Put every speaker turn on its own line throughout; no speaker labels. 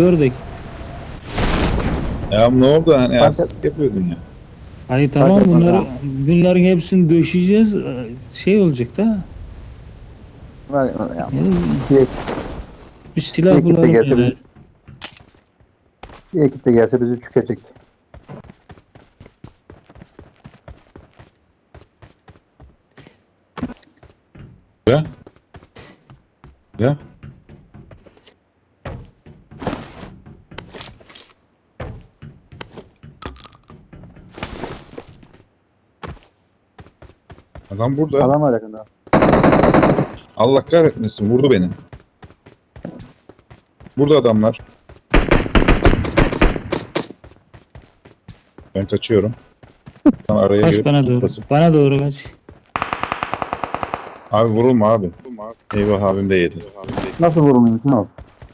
Gördük.
Ya ne oldu hani
Fark
artistik yapıyordun ya.
Hayır tamam
Fark etmez
bunların hepsini döşeyeceğiz. Şey olacak da.
Var ya.
Yani
Bir,
bir silah
Bir ekip de
bulalım
gelse
yani.
bir ekip de gelse bizi çökecek.
Ya. Ya. Adam burada.
Adam var yakında.
Allah kahretmesin vurdu beni. Burada adamlar. Ben kaçıyorum. Tam araya
Kaç
girip
bana doğru.
basıp-
Bana doğru kaç.
Abi vurulma abi. Eyvah abim de yedi.
Nasıl vurulmuyorsun abi?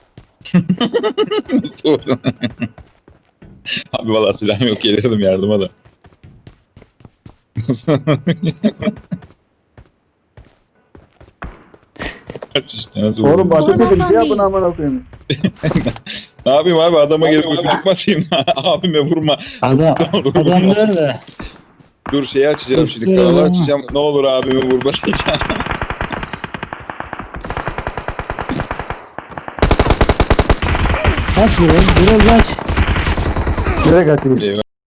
Nasıl vurun? Abi valla silahım yok gelirdim yardıma da. Nasıl Kaç işte nasıl
Oğlum
vurun?
ateş edin.
Zorbaman
Bir yapın
değil.
amına koyayım.
Ne yapayım abi adama gelip öpücük mü atayım? Abime vurma.
Adam nerede?
Dur şeyi açacağım şimdi
Dur,
kanalı
dur.
açacağım. Ne olur abimi vurma diyeceğim.
Kaç biraz kaç.
Nereye kaçayım?
Eyvah.